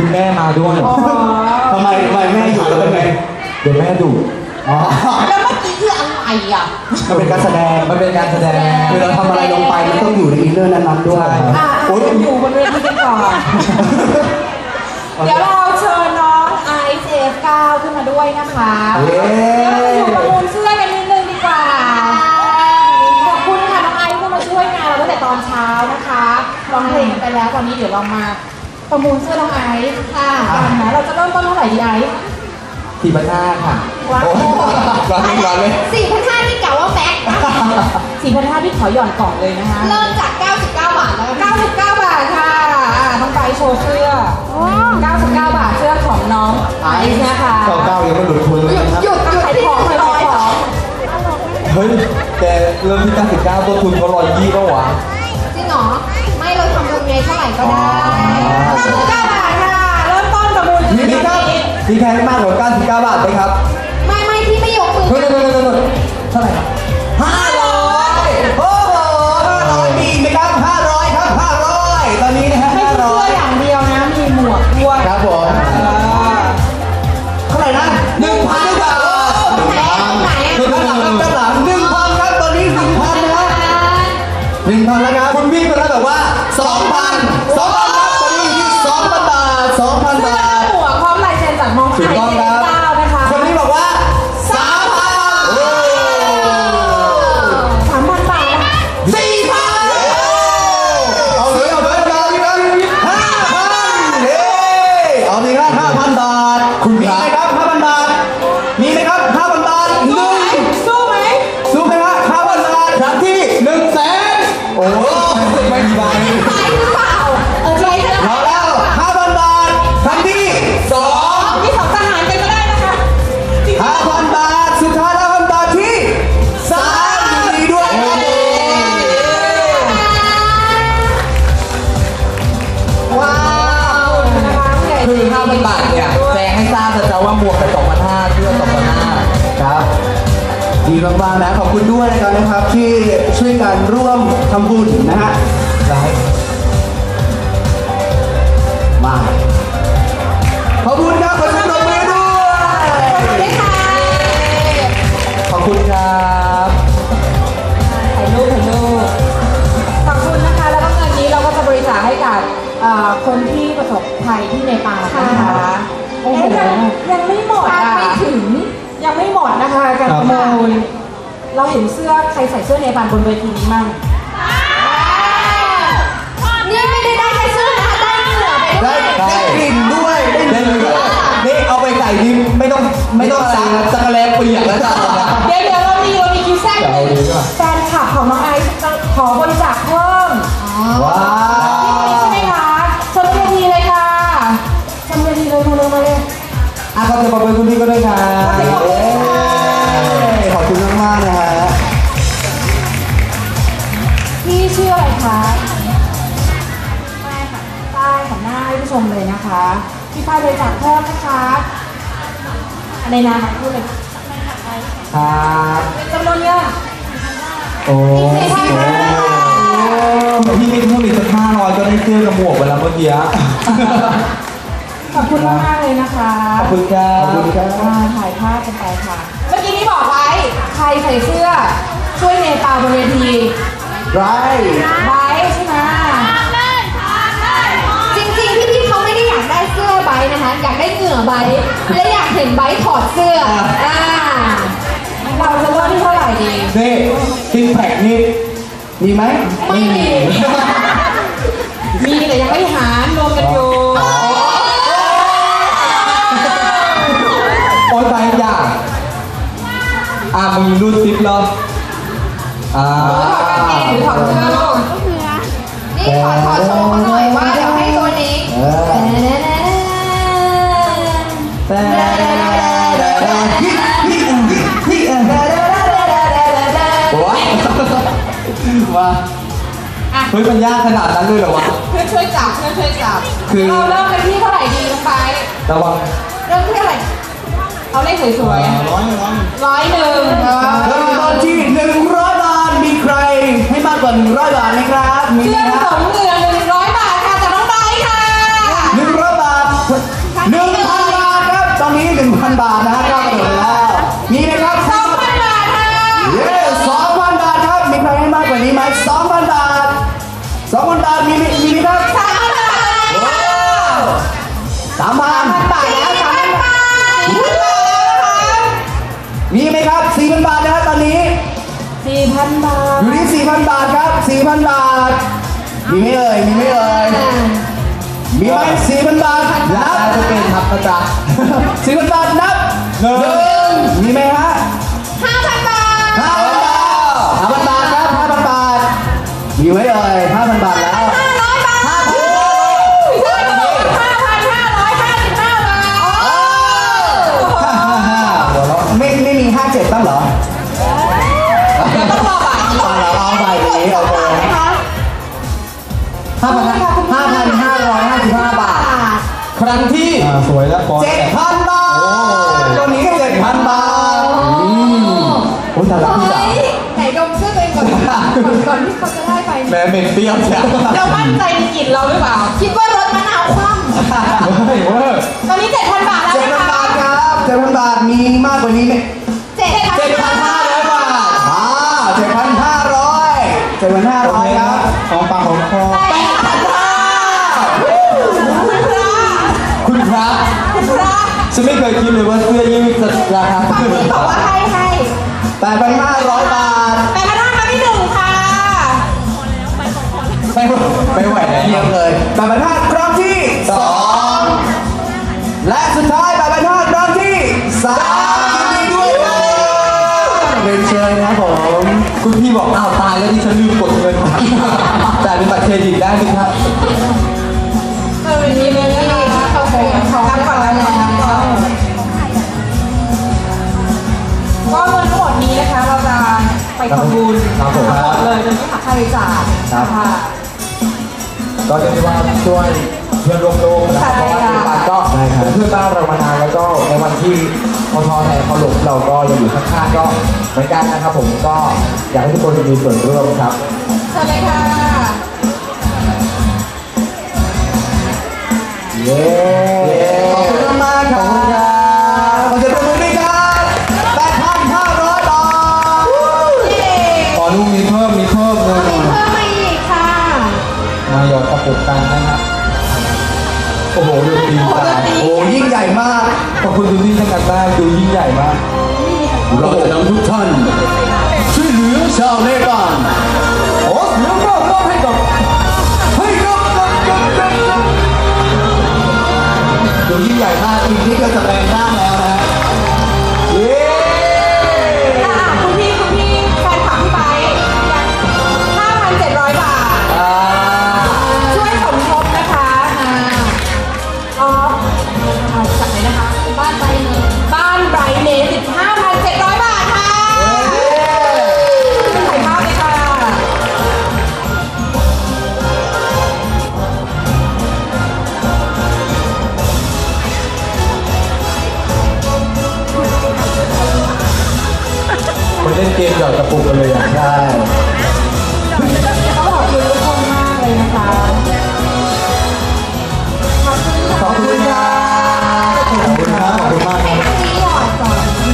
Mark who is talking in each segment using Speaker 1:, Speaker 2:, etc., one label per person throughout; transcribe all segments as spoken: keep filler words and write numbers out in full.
Speaker 1: แม่มาด้วย
Speaker 2: ทำไมทำไมแม่อยู่แล้วเป็นไง
Speaker 1: เดี๋ยวแม่ดุ
Speaker 3: แล้วเมื่อกี้คืออะไรอ่ะ
Speaker 2: มันเป็นการแสดง
Speaker 1: มันเป็นการแสดง
Speaker 2: คือเราทำอะไรลงไปมันต้องอยู่ในอินเนอร์นั้นๆด้วย
Speaker 3: โอ้ยอยู่บนเวทีกันก่อนเดี๋ยวเราเชิญน้องไอซ์เอฟเก้าขึ้นมาด้วยนะคะเดี๋ยวเราอยู่ประมูลเสื้อกันนิดนึงดีกว่าขอบคุณค่ะน้องไอซ์ที่มาช่วยงานเราตั้งแต่ตอนเช้านะคะร้องเพลงไปแล้วตอนนี้เดี๋ยวเรามาประมูลเสื้อน้องไอซ์ค่ะกันนะเราจะเริ่มต้นเท่าไหร่ดีไอซ์
Speaker 1: สี่พันห้าค่ะ
Speaker 3: ว้าว
Speaker 1: ร้อนร้อนเลย
Speaker 3: สี่พันห้าที่เก่าว่าแม็กสี่พันห้าที่ขอหย่อนกล่องเลยนะคะเริ่มจากเก้าสิบเก้าบาทแล้วเก้าสิบเก้าบาทค่ะต้องไปโชว์เสื้อเก้าสิบเก้าบาทเสื้อของน้องไอซ์นะคะ
Speaker 1: เก้าเก้ายังไม่หลุดทุนเลย
Speaker 3: นะครับหยุดขายของขายของ
Speaker 1: เฮ้ยแต่เริ่มที่เก้าสิบเก้าตัวทุนเขาร้อยยี่ป่ะวะ
Speaker 3: จริงเหรอไม่เราทำบุญไงเท่าไหร่ก็ได้เก้าสิบเก้าบาทค่ะเริ่มต้นประมูล
Speaker 1: มีครับมีแพงมากกว่าเก้าสิบเก้าบาทไหมครับ
Speaker 3: ไม่ไม่ที่ไม่ยกมือ
Speaker 1: เท่าไหร่ครับ
Speaker 2: ห้าร้อยโอ้โหห้าร้อยมีไหมครับห้าร้อยครับห้าร้อยตอนนี้นะฮะ
Speaker 3: ไม่ใช่เสื้ออย่างเดียวนะมีหมวกด้วย
Speaker 1: ครับผม
Speaker 2: เท่าไหร่นะหนึ่งพันบาทหนึ่งพันด้านหลังด้านหลังหนึ่งพันครับตอนนี้หนึ่งพันนะฮะหนึ่งพันแล้วครับคุณวิ่งไปแล้วแบบว่าสองพันสองพันครับตอนนี้อยู่ที่สองพันบาทสองพันบาท
Speaker 3: หมวกพร้อมลายเซ็นจากน้องไอซ์เก้านะคะ
Speaker 2: คนนี้บอกว่าสามพัน
Speaker 3: สามพันบาท
Speaker 2: สี่พันเอาเลยเอาเลยเอาเลยห้าพันเฮ้เอาเลยครับห้าพันบาทคุณมีไหมครับห้าพันบาทมีไหมครับห้าพันบาทหนึ่ง
Speaker 3: สู้ไหม
Speaker 2: สู้ไหมครับห้าพันบาทครั้งที่หนึ่งแสนโอ้ไม่มีใบ
Speaker 3: ใช่หรือเปล่าเออใช่
Speaker 2: เอาแล้วห้าพันบาทครั้งที่สอง
Speaker 3: มีสองทหารกันก็ได้นะคะ
Speaker 2: ห้าพันบาทสุดท้ายห้าพันบาทที่สามยินดีด้วย
Speaker 3: ว้าว
Speaker 1: คือห้าพันบาทเนี่ยแจ้งให้ทราบจะว่าหมวกไปสองพันห้าเสื้อสองพันห้า
Speaker 2: ครับดีมากๆนะขอบคุณด้วยนะครับนะครับที่ช่วยกันร่วมทำบุญนะฮะมาขอบคุณครับขอบคุณตบมือด้วย
Speaker 1: ขอบคุณครับ
Speaker 3: ถ่ายรูปถ่ายรูปขอบคุณนะคะแล้วก็เงินนี้เราก็จะบริจาคให้กับคนที่ประสบภัยที่เนปาลนะคะโอ้โหยังไม่หมดอ่ะไม่ถึงยังไม่หมดนะคะการประมูลเราเห็นเสื้อใครใส่เสื้อเนปาลบนเวทีนี้มั่งนี่ไม่ได้ได้แค่เสื้อนะคะได้เหงื่อไปด้วย
Speaker 2: ได้กลิ่นด้วยได้เหงื่อนี่เอาไปใส่ดิไม่ต้องไม่ต้องซักซักแรงเปียกแล้วจ้ะ
Speaker 3: เดี๋ยวเดี๋ยวเรามีเรามีคิวแซกแฟนคลับของน้องไอซ์จะขอบริจาคเพิ่ม
Speaker 2: ว้าว
Speaker 3: ใช่ไหมคะชมเวทีเลยค่ะชมเวทีเลยมาเลยมาเลย
Speaker 2: อ่ะขอบคุณขอบคุณคุณพี่ก็ด้วยครับขอบคุณมากๆนะฮะ
Speaker 3: พี่ชื่ออะไรคะป้ายค่ะป้ายของหน้าให้ผู้ชมเลยนะคะพี่ป้ายบริจาคเพิ่มนะคะในนามของผู้เลย
Speaker 1: ครับ
Speaker 3: จำนวนเงิน
Speaker 1: โอ้
Speaker 3: สี่พันห้า
Speaker 1: พี่มีเพิ่มอีกสักห้าร้อยก็ได้เสื้อกับหมวกเวลาเมื่อกี้
Speaker 3: ขอบคุณมากเลยนะคะ
Speaker 1: ขอบคุณครับขอบคุณครับ
Speaker 3: ถ่ายภาพกันไปค่ะเมื่อกี้นี้บอกไว้ใครใส่เสื้อช่วยเนปาลบนเวที
Speaker 2: ไร
Speaker 3: ไรใช่ไหมจริงๆพี่ๆเขาไม่ได้อยากได้เสื้อไบนะคะอยากได้เหงื่อไบและอยากเห็นไบถอดเสื้ออ่าเราจะเริ่มที่เท่าไหร่ดี
Speaker 2: นี่ซิกแพคนี่มีไหม
Speaker 3: ไม่มีมีแต่ยังไม่หารรวมกันอยู่
Speaker 1: โอ๊ยไปอย่าอ่ามีรูดซิปเหรออ่า
Speaker 3: ถือถอดเสื้อลูกนี่ขอถอดโชว์เขาหน่อยว่าเดี๋ยวให้ตัวนี้
Speaker 1: ว่าเฮ้ยมันยากขนาดนั้นเลยเหรอวะ
Speaker 3: เพื่อนช่วยจับเพื่อนช่วยจับคือเราเริ่มกันที่เท่าไหร่ดีลงไประ
Speaker 1: วัง
Speaker 3: เริ่มที่เท่าไหร่เอาเลขสวยๆร้อยร้อยร้อยหนึ่ง
Speaker 2: เริ่มต้นที่หนึ่งร้อยบาทมีใครให้มากกว่าหนึ่งร้อยบาทไหมครับ
Speaker 3: มีเสื้อผสมเงินหนึ่งร้อยบาทค่ะจากน้องไบค่ะ
Speaker 2: หนึ่งร้อยบาทหนึ่งพันบาทครับตอนนี้หนึ่งพันบาทนะฮะก้าวกระโดดไปแล้วมีไหมครับ
Speaker 3: สองพันบาทค่ะ
Speaker 2: เย้สองพันบาทครับมีใครให้มากกว่านี้ไหมสองพันบาทสองพันบาทมีมีมีไหมครับ
Speaker 3: สามพันบาทเลยค่ะ
Speaker 2: สามพัน
Speaker 3: บาทแล้วสามพันบาทสี่พันบาทแล้วนะคะ
Speaker 2: มีไหมครับสี่พันบาทนะฮะตอนนี้
Speaker 3: สี่พันบาท
Speaker 2: อยู่ที่สี่พันบาทครับสี่พันบาทมีไหมเอ่ยมีไหมเอ่ยมีไหมสี่พันบาท
Speaker 1: รา
Speaker 2: นั
Speaker 1: คา
Speaker 2: บ
Speaker 1: จะเป็นครับอาจารย์
Speaker 2: สี่พันบาทนับ
Speaker 1: หนึ่ง
Speaker 2: มีไหมฮะ
Speaker 3: ห้าพันบาท
Speaker 2: ห้าพันบาทห้าพันบาทครับห้าพันบาทมีไหมเอ่ยห้าพันบาทแล้ว
Speaker 3: ห้าร้อยบาท
Speaker 2: ห้าพัน
Speaker 3: ห้าพันห้าร้อยห้าสิบห้าบาท
Speaker 2: หัวเราะไม่ไม่มีห้าเจ็ดบ้างเหรอ
Speaker 3: ต้องรอบ่าย
Speaker 2: เอาเหรอเอาใบนี้โอเค
Speaker 3: นะคะ
Speaker 2: ห้าพันห้าพันห้าร้อยห้าสิบห้าบาท
Speaker 1: ครั้งที่อ่าสวยแล้วปอน
Speaker 2: เจ็ดพันบาทตัวนี้เจ็ดพันบาทอืมโอ้ยแต่ละพี่จ๋า
Speaker 3: เฮ้ยไหนดมเสื้อตัวเองก่อนก่อนที่เขาจะได้ไป
Speaker 1: แม่เหม็นเปรี้ยวจ้ะ
Speaker 3: เรามั่นใจในกลิ่นเราหรือเปล่า คิดว่ารถมะนาวคว่
Speaker 1: เฮ้ยเว้ย
Speaker 3: ำตอนนี้เจ็ดพันบาทแล้ว
Speaker 2: เจ็ด
Speaker 3: นะ
Speaker 2: พัน
Speaker 3: คะ
Speaker 2: บาทครับเจ็ดพันบาทมีมากกว่านี้ไหม
Speaker 3: เจ็ดพัน
Speaker 2: เจ็ดพันห้าร้อยบาทอ่าเจ็ดพันห้าร้อยเจ็ดพันห้าร้อยครับ
Speaker 1: ของปากของคอ
Speaker 3: แปดพันบาท
Speaker 1: คุณพระ
Speaker 3: คุณพระ
Speaker 1: ฉันไม่เคยคิดเลยว่าเสื้อยืดจะราคา
Speaker 3: ฝั่ง
Speaker 1: ขึ้น
Speaker 3: นี้บอกว่าให้ให้
Speaker 2: แปดพันห้าร้อยบาท
Speaker 3: แปดพันห้าครั้งที่หนึ่งค่ะ
Speaker 1: ไม่ไม่ไหวแล้ว
Speaker 2: เยี่ยมเลยแปดพันห้าครั้งที่สองและสุดท้ายแปดพันห้าครั้งที่สามยินดีด้วยครับเรียนเชิญนะครับผม
Speaker 1: คุณพี่บอกอ้าวตายแล้วที่ฉันลืมกดเงินจ่ายเป็นบัตรเครดิตได้ไหมครับ
Speaker 3: เออดีเลยนะคะโอเคขอกันก่อนแล้วก็ก็เงินทั้งหมดนี้นะคะเราจะไปทำบุญ
Speaker 1: ครับผม
Speaker 3: ทั้งหมดเลยโดยไม่หักค่าใช้จ่ายค่ะ
Speaker 1: ก็เรียกได้ว่าช่วยเพื่อนร่วมโลกนะครับเพราะว่าที่บ้านก็เป็นเพื่อนบ้านเรามานานแล้วก็ในวันที่พอทอแทนเขาหลบเราก็ยังอยู่ข้างๆก็เหมือนกันนะครับผมก็อยากให้ทุกคนมีส่วนร่วมครับ
Speaker 3: เชิญเลยค่ะ
Speaker 2: เย้ขอบคุณมากครับขอบคุณครับขอเสียงปรบมือด้วยครับแปดพันห้าร้อยบาท
Speaker 1: ขอลูกมีเพิ่มมีเพิ่มเลย
Speaker 3: มีเพิ่มมาอีกค่ะ
Speaker 1: มาหยอดกระปุกกันนะครับโอ้โหดูตีนตา
Speaker 2: โอ้ยิ่งใหญ่มาก
Speaker 1: ขอบคุณคุณพี่ทั้งกันมากดูยิ่งใหญ่มาก
Speaker 2: เราจะนำทุกท่านช่วยเหลือชาวเนปาลโอ้เสียงก็มอบให้กับให้กับกับกับกับกับดูยิ่งใหญ่มากอีกนิดก็จะแปลงร่างแล้วนะเย้
Speaker 3: อ่ะคุณพี่คุณพี่แฟนคลับพี่ไบห้าพันเจ็ดร้อยบาท
Speaker 2: อ่า
Speaker 3: ช่วยสมทบนะคะอ่าอ๋อเอาจากไหนนะคะ บ้านไบรเนสบ้านไบรเนสสิบห้าพันเจ็ดร้อยบาทค่ะถ่ายภาพเลยค่ะ
Speaker 1: คนเล่นเกมหยอดกระปุกกันเลยอ่ะ
Speaker 2: ใช่
Speaker 3: เขาบอกอยู่ทุกคนมากเลยนะคะขอบคุณค่ะ
Speaker 2: ขอบคุณครับขอบคุณครับขอบคุณมากครับ
Speaker 3: นี่หยอดก่อน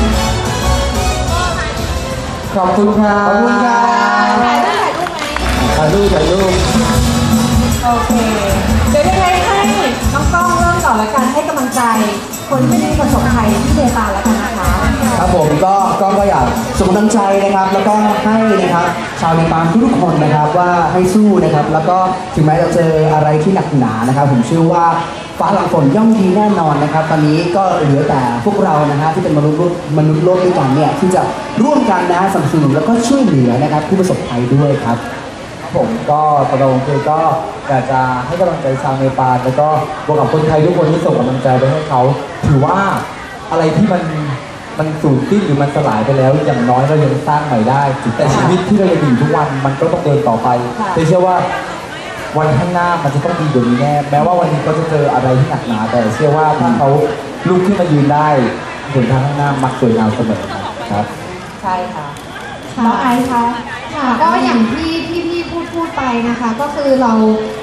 Speaker 1: ขอบคุณครับ
Speaker 2: ขอบคุณครับ
Speaker 3: ถ่ายรูปถ่ายรูปไหม
Speaker 1: ถ่ายรูปถ่ายรูป
Speaker 3: โอเค เดี๋ยวยังไงให้น้องกล้องเริ่มก่อนละกันให้กำลังใจคนที่ได้ประสบภัยที่เนปาลแล้วกันนะคะ
Speaker 2: ครับผมก็ก็ก็อยากส่งกำลังใจนะครับ แล้วก็ให้นะครับชาวเนปาลทุกๆคนนะครับว่าให้สู้นะครับ แล้วก็ถึงแม้จะเจออะไรที่หนักหนานะครับ ผมเชื่อว่าฟ้าหลังฝนย่อมดีแน่นอนนะครับ ตอนนี้ก็เหลือแต่พวกเรานะฮะที่เป็นมนุษย์โลกมนุษย์โลกด้วยกันเนี่ยที่จะร่วมกันนะฮะสนับสนุนแล้วก็ช่วยเหลือนะครับผู้ประสบภัยด้วยครับ
Speaker 1: ผมก็ตรงคือก็อยากจะให้กำลังใจชาวเนปาลแล้วก็บวกกับคนไทยทุกคนที่ส่งกำลังใจไปให้เขาถือว่าอะไรที่มันมันสูญสิ้นหรือมันสลายไปแล้ว อย่างน้อยเรายังสร้างใหม่ได้ แต่ชีวิตที่เรายังอยู่ทุกวันมันก็ต้องเดินต่อไปแต่เชื่อว่าวันข้างหน้ามันจะต้องดีกว่านี้แน่แม้ว่าวันนี้เขาจะเจออะไรที่หนักหนาแต่เชื่อว่าถ้าเขาลุกขึ้นมายืนได้หนทางข้างหน้ามักสวยงามเสมอครับ
Speaker 3: ใช่ค่ะน้องไอซ์คะ
Speaker 4: ค่ะก็อย่างที่ที่พี่พูดพูดไปนะคะ ก็คือเรา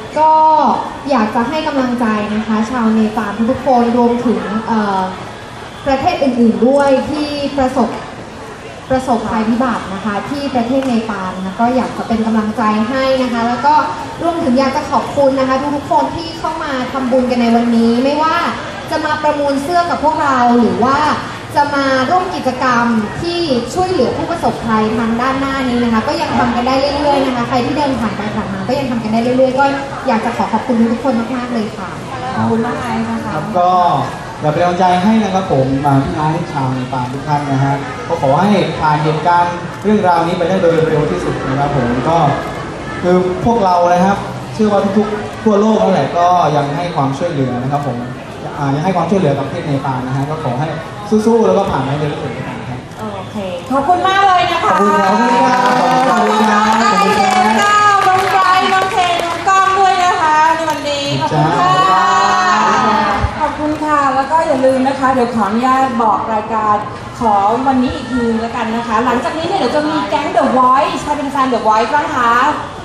Speaker 4: ก็อยากจะให้กำลังใจนะคะ ชาวเนปาลทุกๆคนรวมถึงเอ่อประเทศอื่นๆด้วยที่ประสบประสบภัยพิบัตินะคะที่ประเทศเนปาลนะคะก็อยากจะเป็นกำลังใจให้นะคะ แล้วก็รวมถึงอยากจะขอบคุณนะคะทุกๆคนที่เข้ามาทำบุญกันในวันนี้ ไม่ว่าจะมาประมูลเสื้อกับพวกเราหรือว่าจะมาร่วมกิจกรรมที่ช่วยเหลือผู้ประสบภัยทางด้านหน้านี้นะคะก็ยังทำกันได้เรื่อยๆนะคะใครที่เดินผ่านไปผ่านมาก็ยังทำกันได้เรื่อยๆก็อยากจะขอขอบคุณทุกคนมากๆเลยค่ะ
Speaker 3: ขอบคุณมากเลยนะคะ
Speaker 2: ครับก็อยากเป็นกำลังใจให้นะครับผมมาพี่น้องชาวเนปาลทุกท่านนะฮะก็ขอให้ผ่านเหตุการณ์เรื่องราวนี้ไปได้โดยเร็วที่สุดนะครับผมก็คือพวกเรานะครับเชื่อว่าทุกๆทั่วโลกนั่นแหละก็ยังให้ความช่วยเหลือนะครับผมอ่ายังให้ความช่วยเหลือกับประเทศเนปาลนะฮะก็ขอให้สู้ๆแล้วก็ผ่านไปได้เร็วที่สุดนะครับ
Speaker 3: โอเค ขอบคุณมากเลยนะคะ
Speaker 2: ขอบคุณครับ
Speaker 3: ขอบคุณครับไอเจมส์ก้าวน้องไบรท์น้องเทนน้องก้องด้วยนะคะในวันนี้ ขอบคุณค่ะ ขอบคุณค่ะ แล้วก็อย่าลืมนะคะ เดี๋ยวขออนุญาตบอกรายการขอวันนี้อีกทีแล้วกันนะคะ หลังจากนี้เนี่ยเดี๋ยวจะมีแก๊ง The Voice ใครเป็นแฟน The Voice บ้างคะ